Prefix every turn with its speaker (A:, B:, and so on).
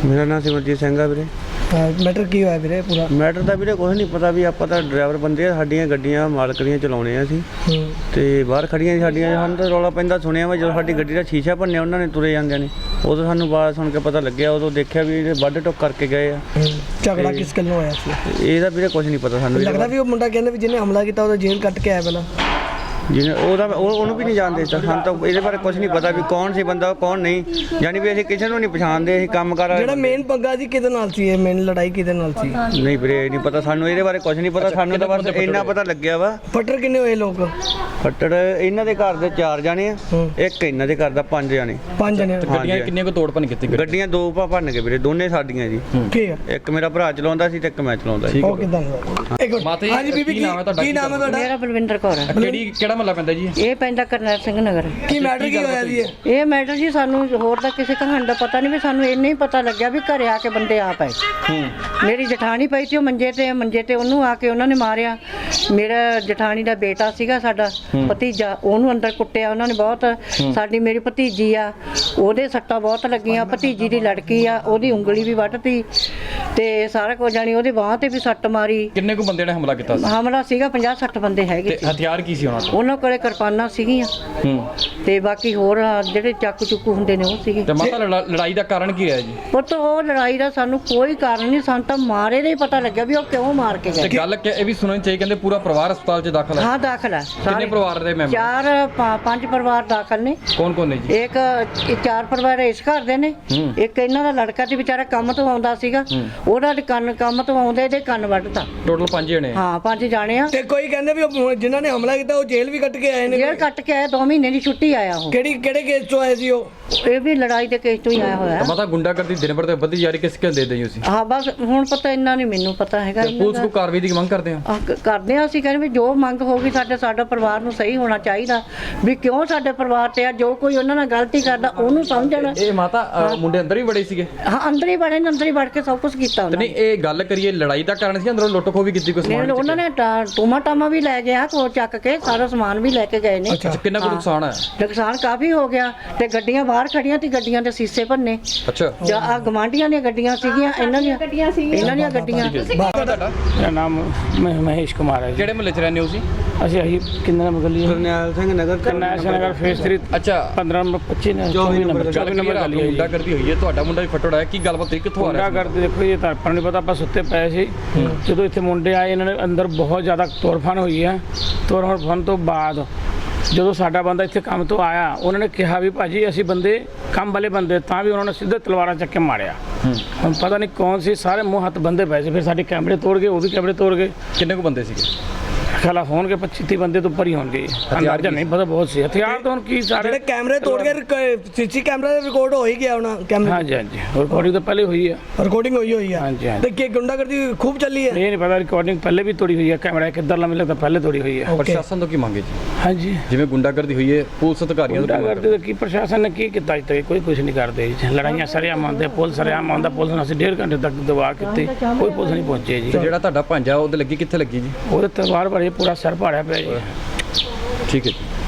A: ਮੇਰਾ ਨਾਮ ਸਿਮਰਜੀਤ ਸਿੰਘ ਆ ਵੀਰੇ।
B: ਮੈਟਰ ਕੀ ਹੋਇਆ ਵੀਰੇ ਪੂਰਾ?
A: ਮੈਟਰ ਦਾ ਵੀਰੇ ਕੁਝ ਨਹੀਂ ਪਤਾ ਵੀ ਆਪਾਂ ਤਾਂ ਡਰਾਈਵਰ ਬੰਦੇ ਆ, ਸਾਡੀਆਂ ਗੱਡੀਆਂ ਮਾਲਕ ਦੀਆਂ ਚਲਾਉਣੇ ਆ ਅਸੀਂ ਤੇ ਬਾਹਰ ਖੜੀਆਂ ਸਾਡੀਆਂ। ਸਾਨੂੰ ਤਾਂ ਰੌਲਾ ਪੈਂਦਾ ਸੁਣਿਆ ਵਾ ਜਦੋਂ ਸਾਡੀ ਗੱਡੀ ਦਾ ਸ਼ੀਸ਼ਾ ਭੰਨਿਆ ਉਹਨਾਂ ਨੇ ਤੁਰੇ ਜਾਂਦਿਆਂ ਨੇ, ਉਦੋਂ ਸਾਨੂੰ ਆਵਾਜ਼ ਸੁਣ ਕੇ ਪਤਾ ਲੱਗਿਆ। ਉਦੋਂ ਦੇਖਿਆ ਵੀ ਇਹ ਵੱਢ ਟੁੱਕ ਕਰਕੇ ਗਏ ਆ।
B: ਝਗੜਾ ਕਿਸ ਗੱਲੋਂ ਹੋਇਆ ਸੀ?
A: ਇਹਦਾ ਵੀਰੇ ਕੁਝ ਨਹੀਂ ਪਤਾ ਸਾਨੂੰ।
B: ਲੱਗਦਾ ਵੀ ਉਹ ਮੁੰਡਾ ਕਹਿੰਦਾ ਵੀ ਜਿਹਨੇ ਹਮਲਾ ਕੀਤਾ ਉਹਦਾ ਜੇਲ੍ਹ ਕੱਟ ਕੇ ਆਇਆ ਪਹਿਲਾਂ।
A: ਜਿਹਨੇ ਉਹਨੂੰ ਵੀ ਨਹੀਂ ਜਾਣਦੇ, ਸਾਨੂੰ ਤਾਂ ਇਹਦੇ ਬਾਰੇ ਕੁਝ ਨਹੀਂ ਪਤਾ ਵੀ ਕੌਣ ਸੀ ਬੰਦਾ ਕੌਣ ਨਹੀਂ। ਯਾਨੀ ਵੀ ਅਸੀਂ ਕਿਸੇ ਨੂੰ ਨਹੀਂ ਪਛਾਣਦੇ। ਅਸੀਂ ਕੰਮ ਕਰ
B: ਜਿਹੜਾ ਮੇਨ ਪੰਗਾ ਸੀ ਕਿਹਦੇ ਨਾਲ ਸੀ? ਇਹ ਮੇਨ ਲੜਾਈ ਕਿਹਦੇ ਨਾਲ ਸੀ?
A: ਨਹੀਂ ਵੀਰੇ ਨਹੀਂ ਪਤਾ ਸਾਨੂੰ, ਇਹਦੇ ਬਾਰੇ ਕੁਝ ਨਹੀਂ ਪਤਾ ਸਾਨੂੰ। ਤਾਂ ਬਸ ਇੰਨਾ ਪਤਾ ਲੱਗਿਆ ਵਾ।
B: ਫੱਟੜ ਕਿੰਨੇ ਹੋਏ ਲੋਕ?
A: ਫੱਟੜ ਇਹਨਾਂ ਦੇ ਘਰ ਦੇ 4 ਜਾਣੇ ਆ, ਇੱਕ ਇਹਨਾਂ ਦੇ ਘਰ ਦਾ 5 ਜਾਣੇ।
B: 5 ਜਣੇ।
C: ਗੱਡੀਆਂ ਕਿੰਨੀਆਂ ਕੋ ਤੋੜ ਭੰਨ ਕੀਤੀ?
A: ਗੱਡੀਆਂ 2 ਭੰਨ ਕੇ ਵੀਰੇ, ਦੋਨੇ ਸਾਡੀਆਂ ਜੀ।
B: ਠੀਕ ਹੈ।
A: ਇੱਕ ਮੇਰਾ ਭਰਾ ਚਲਾਉਂਦਾ ਸੀ ਤੇ ਇੱਕ ਮੈਂ ਚਲਾਉਂਦਾ ਸੀ।
B: ਉਹ ਕਿਦਾਂ? ਹਾਂਜੀ ਬੀਬੀ, ਕੀ ਨਾਮ ਹੈ ਤੁਹਾਡਾ?
D: ਮੇਰਾ ਬਲਵਿੰਦਰ ਕੌਰ ਹੈ।
C: ਕਿਹੜਾ ਮਹੱਲਾ ਪੈਂਦਾ ਜੀ?
D: ਇਹ ਪੈਂਦਾ ਕਰਨੈਲ ਸਿੰਘ ਨਗਰ।
B: ਕੀ ਮੈਟਰ ਕੀ ਹੋਇਆ ਜੀ?
D: ਇਹ ਮੈਟਰ ਜੀ ਸਾਨੂੰ ਹੋਰ ਤਾਂ ਕਿਸੇ ਕਹਾਣੀ ਦਾ ਪਤਾ ਨਹੀਂ, ਵੀ ਸਾਨੂੰ ਇੰਨਾ ਹੀ ਪਤਾ ਲੱਗਿਆ ਵੀ ਘਰੇ ਆ ਕੇ ਬੰਦੇ ਆ ਪਏ। ਮੇਰੀ ਜਠਾਣੀ ਪਈ ਸੀ ਉਹ ਮੰਜੇ ਤੇ ਉਹਨੂੰ ਆ ਕੇ ਉਹਨਾਂ ਨੇ ਮਾਰਿਆ। ਮੇਰਾ ਜਠਾਣੀ ਦਾ ਬੇਟਾ ਸੀਗਾ ਸਾਡਾ ਭਤੀਜਾ, ਉਹਨੂੰ ਅੰਦਰ ਕੁੱਟਿਆ ਉਹਨਾਂ ਨੇ ਬਹੁਤ। ਸਾਡੀ ਮੇਰੀ ਭਤੀਜੀ ਆ, ਉਹਦੇ ਸੱਟਾਂ ਬਹੁਤ ਲੱਗੀਆਂ। ਭਤੀਜੀ ਦੀ ਲੜਕੀ ਆ, ਉਹਦੀ ਉਂਗਲੀ ਵੀ ਵੱਢਤੀ ਤੇ ਸਾਰਾ ਕੁਝ ਜਾਣੀ ਉਹਦੇ ਬਾਂਹ ਤੇ ਵੀ ਸੱਟ ਮਾਰੀ।
C: ਕਿੰਨੇ ਕੁ ਬੰਦੇ ਨੇ ਹਮਲਾ ਕੀਤਾ ਸੀ?
D: ਹਮਲਾ ਸੀਗਾ 50-60 ਬੰਦੇ ਹੈਗੇ ਸੀ।
C: ਹਥਿਆਰ ਕੀ ਸੀ ਉਹਨਾਂ ਕੋਲ?
D: ਉਹਨਾਂ ਕੋਲੇ ਕਿਰਪਾਨਾਂ ਸੀਗੀਆਂ ਤੇ ਬਾਕੀ ਹੋਰ ਜਿਹੜੇ ਚਾਕੂ ਚੁੱਕੂ ਹੁੰਦੇ ਨੇ ਉਹ ਸੀਗੇ।
C: ਤੇ ਮਾਤਾ ਲੜਾਈ ਦਾ ਕਾਰਨ ਕੀ ਰਿਹਾ ਜੀ?
D: ਪੁੱਤ ਉਹ ਲੜਾਈ ਦਾ ਸਾਨੂੰ ਕੋਈ ਕਾਰਨ ਨਹੀਂ, ਸਾਨੂੰ ਤਾਂ ਮਾਰੇ ਦਾ ਹੀ ਪਤਾ ਲੱਗਿਆ ਵੀ ਉਹ ਕਿਉਂ ਮਾਰ ਕੇ
C: ਤੇ
D: ਗਏ।
C: ਗੱਲ ਇਹ ਵੀ ਸੁਣਨੀ ਚਾਹੀਏ, ਕਹਿੰਦੇ ਪੂਰਾ ਪਰਿਵਾਰ ਹਸਪਤਾਲ 'ਚ ਦਾਖਲ ਹੈ।
D: ਹਾਂ ਦਾਖਲ ਹੈ।
C: ਕਿੰਨੇ ਪਰਿਵਾਰ ਦੇ ਮੈਂਬਰ?
D: 5 ਪਰਿਵਾਰ ਦਾਖਲ ਨੇ।
C: ਕੌਣ ਕੌਣ ਨੇ ਜੀ?
D: ਇੱਕ 4 ਪਰਿਵਾਰ ਇਸ ਘਰ ਦੇ ਨੇ। ਇੱਕ ਇਹਨਾਂ ਦਾ ਲੜਕਾ ਤੇ ਵਿਚਾਰਾ ਕੰਮ ਤੋਂ ਆਉਂਦਾ ਸੀਗਾ, ਉਹਦਾ ਕੰਮ ਤੋਂ ਆਉਂਦੇ ਇਹਦੇ ਕੰਨ ਵੱਢਤਾ।
C: ਟੋਟਲ 5 ਜਣੇ?
D: ਹਾਂ 5 ਜਾਣੇ ਆ।
B: ਤੇ ਕੋਈ ਕਹਿੰਦੇ ਵੀ ਉਹ ਜਿਨ੍ਹਾਂ ਨੇ ਹਮਲਾ ਕੀਤਾ ਉਹ ਜੇਲ੍ਹ ਵੀ ਕੱਟ ਕੇ ਆਏ ਨੇ।
D: ਜੇਲ੍ਹ ਕੱਟ ਕੇ ਆਇਆ, 2 ਮਹੀਨੇ ਦੀ ਛੁੱਟੀ ਆਇਆ ਉਹ।
B: ਕਿਹੜੇ ਕੇਸ ਤੋਂ ਆਏ ਸੀ ਉਹ?
D: ਇਹ ਵੀ ਲੜਾਈ ਦੇ ਕੇਸ ਤੋਂ ਹੀ ਆਇਆ ਹੋਇਆ।
C: ਮਾਤਾ ਗੁੰਡਾਗਰਦੀ ਦਿਨ ਭਰ ਤੇ ਵੱਧਦੀ ਜਾ ਰਹੀ, ਕਿਸ ਕਿਸ ਦੇ ਦਈ ਤੁਸੀਂ?
D: ਹਾਂ ਬਸ ਹੁਣ ਪਤਾ ਇੰਨਾ ਨਹੀਂ ਮੈਨੂੰ ਪਤਾ ਹੈਗਾ।
C: ਪੁਲਿਸ ਕੋ ਕਾਰਵਾਈ ਦੀ ਮੰਗ ਕਰਦੇ ਆ?
D: ਕਰਦੇ ਆ ਅਸੀਂ, ਕਹਿੰਦੇ ਵੀ ਜੋ ਮੰਗ ਹੋਗੀ ਸਾਡਾ ਪਰਿਵਾਰ ਨੂੰ ਸਹੀ ਹੋਣਾ ਚਾਹੀਦਾ, ਵੀ ਕਿਉਂ ਸਾਡੇ ਪਰਿਵਾਰ ਤੇ ਆ। ਜੋ ਕੋਈ ਉਹਨਾਂ ਨਾਲ ਗਲਤੀ ਕਰਦਾ ਉਹਨੂੰ ਸਮਝਣ।
C: ਇਹ ਮਾਤਾ ਮੁੰਡੇ ਅੰਦਰ ਹੀ ਬੜੇ ਸੀਗੇ?
D: ਹਾਂ ਅੰਦਰ ਹੀ ਬੜੇ ਨੇ, ਅੰਦਰ ਹੀ ਵੜ ਕੇ ਸਭ ਕੁਝ ਕੀਤਾ ਉਹਨਾਂ ਨੇ।
C: ਨਹੀਂ ਇਹ ਗੱਲ ਕਰੀਏ ਲੜਾਈ ਦਾ ਕਾਰਨ ਸੀ, ਅੰਦਰੋਂ ਲੁੱਟ ਖੋਹ ਵੀ ਕੀਤੀ? ਕੋਈ
D: ਉਹਨਾਂ ਨੇ ਟੂਮਾ ਟਾਮਾ ਵੀ ਲੈ ਗਿਆ, ਕੋ ਚੱਕ ਕੇ ਸਾਰਾ ਸਮਾਨ ਵੀ ਲੈ ਕੇ ਗਏ ਨੇ।
C: ਅੱਛਾ ਕਿੰਨਾ ਕੁ ਨੁਕਸਾਨ ਹੈ?
D: ਨੁਕਸਾਨ ਕਾਫੀ ਹੋ ਗਿਆ ਤੇ ਗੱਡੀਆਂ ਬਾਹਰ ਖੜੀਆਂ ਤੇ ਗੱਡੀਆਂ ਦੇ ਸੀਸੇ ਭੰਨੇ।
C: ਅੱਛਾ
D: ਜਾਂ ਆ ਗਵਾਂਢੀਆਂ ਦੀਆਂ ਗੱਡੀਆਂ ਸੀਗੀਆਂ, ਇਹਨਾਂ ਦੀਆਂ ਗੱਡੀਆਂ।
E: ਮੇਰਾ ਨਾਮ ਮਹੇਸ਼ ਕੁਮਾਰ ਹੈ ਜੀ।
C: ਕਿਹੜੇ ਮਹੱਲੇ 'ਚ ਰਹਿੰਦੇ ਹੋ ਤੁਸੀਂ?
E: ਅਸੀਂ ਕਿੰਨੇ ਨੰਬਰ ਗਲੀ ਹੈ?
A: ਕਰਨੈਲ ਸਿੰਘ ਨਗਰ।
E: ਕਰਨੈਲ ਸਿੰਘ ਨਗਰ ਫੇਸ 3।
C: ਅੱਛਾ
E: 15 ਨੰਬਰ 25 ਨੇ 24 ਨੰਬਰ ਗਲੀ ਹੈ।
C: ਗੁੰਡਾਗਰਦੀ ਹੋਈ ਹੈ, ਤੁਹਾਡਾ ਮੁੰਡਾ ਵੀ ਫੱਟੜ ਹੈ, ਕੀ ਗੱਲਬਾਤ ਹੋਈ, ਕਿੱਥੋਂ ਆ ਰਿਹਾ ਸੀ?
E: ਗੁੰਡਾਗਰਦੀ ਦੇਖੋ ਜੀ, ਤਾਂ ਆਪਾਂ ਨੂੰ ਪਤਾ, ਆਪਾਂ ਸੁੱਤੇ ਪਏ ਸੀ ਜਦੋਂ ਇੱਥੇ ਮੁੰਡੇ ਆਏ। ਇਹਨਾਂ ਨੇ ਅੰਦਰ ਬਹੁਤ ਜ਼ਿਆਦਾ ਤੋੜਫਾਨ ਹੋਈ ਹੈ। ਤੋੜਫਾਨ ਤੋਂ ਬਾਅਦ ਜਦੋਂ ਸਾਡਾ ਬੰਦਾ ਇੱਥੇ ਕੰਮ ਤੋਂ ਆਇਆ, ਉਹਨਾਂ ਨੇ ਕਿਹਾ ਵੀ ਭਾਜੀ ਅਸੀਂ ਬੰਦੇ ਕੰਮ ਵਾਲੇ ਬੰਦੇ, ਤਾਂ ਵੀ ਉਹਨਾਂ ਨੇ ਸਿੱਧੇ ਤਲਵਾਰਾਂ ਚੱਕ ਕੇ ਮਾਰਿਆ। ਹੁਣ ਪਤਾ ਨਹੀਂ ਕੌਣ ਸੀ, ਸਾਰੇ ਮੂੰਹ ਹੱਥ ਬੰਦੇ ਪਏ ਸੀ। ਫਿਰ ਸਾਡੇ ਕੈਮਰੇ ਤੋੜ ਗਏ, ਉਹ ਵੀ ਕੈਮਰੇ ਤੋੜ ਗਏ।
C: ਕਿੰਨੇ ਕੁ ਬੰਦੇ ਸੀਗੇ?
E: ਖਿਲਾਫ ਹੋਣਗੇ 25-30 ਬੰਦੇ ਤੋਂ ਉੱਪਰ ਹੀ ਹੋਣਗੇ। ਅੰਦਾਜ਼ਾ ਨਹੀਂ ਪਤਾ, ਬਹੁਤ ਸੀ ਹਥਿਆਰ। ਤਾਂ ਹੁਣ ਕੀ ਸਾਰੇ
B: ਜਿਹੜੇ ਕੈਮਰੇ ਤੋੜ ਕੇ ਸੀਸੀ ਕੈਮਰਾ ਦੇ ਰਿਕਾਰਡ ਹੋ ਹੀ ਗਿਆ ਉਹਨਾਂ ਕੈਮਰੇ।
E: ਹਾਂਜੀ ਰਿਕਾਰਡਿੰਗ ਤਾਂ ਪਹਿਲੇ ਹੋਈ ਹੈ।
B: ਰਿਕਾਰਡਿੰਗ ਹੋਈ ਆ।
E: ਹਾਂਜੀ
B: ਤੇ ਕੀ ਗੁੰਡਾਗਰਦੀ ਖੂਬ ਚੱਲੀ ਹੈ?
E: ਇਹ ਨਹੀਂ ਪਤਾ, ਰਿਕਾਰਡਿੰਗ ਪਹਿਲੇ ਵੀ ਤੋੜੀ ਹੋਈ ਹੈ। ਕੈਮਰਾ ਕਿੱਧਰ ਲਾ ਮਿਲਦਾ, ਪਹਿਲੇ ਤੋੜੀ ਹੋਈ ਹੈ।
C: ਪ੍ਰਸ਼ਾਸਨ ਤੋਂ ਕੀ ਮੰਗੇ ਜੀ?
E: ਹਾਂਜੀ
C: ਜਿਵੇਂ ਗੁੰਡਾਗਰਦੀ ਹੋਈ ਹੈ, ਪੁਲਿਸ ਅਧਿਕਾਰੀਆਂ ਤੋਂ ਕੀ ਮੰਗ
E: ਗੁੰਡਾਗਰਦੀ ਦਾ ਕੀ ਪ੍ਰਸ਼ਾਸਨ ਨੇ ਕੀ ਕੀਤਾ ਅੱਜ ਤੱਕ? ਕੋਈ ਕੁਝ ਨਹੀਂ ਕਰਦੇ ਜੀ। ਲੜਾਈਆਂ ਸਰੇਆਮ ਆਉਂਦੇ, ਪੁਲਿਸ ਸਰੇਆਮ ਆਉਂਦਾ। ਪੁਲਿਸ ਨੇ ਅਸੀਂ 1.5 ਘੰਟੇ ਤੱਕ ਦਬਾ ਕੀਤੀ, ਕੋਈ ਪੁਲਿਸ ਨਹੀਂ ਪਹੁੰਚੇ ਜੀ।
C: ਤੇ ਜਿਹੜਾ ਤੁਹਾਡਾ ਭਾਂਜਾ ਉਹਦੇ ਲੱਗੀ, ਕਿੱਥੇ ਲੱਗੀ ਜੀ?
E: ਉਹਦੇ ਤਲਵਾਰ ਭਰੀ, ਪੂਰਾ ਸਿਰ ਪਾੜਿਆ ਪਿਆ ਜੀ।
C: ਠੀਕ ਹੈ ਜੀ।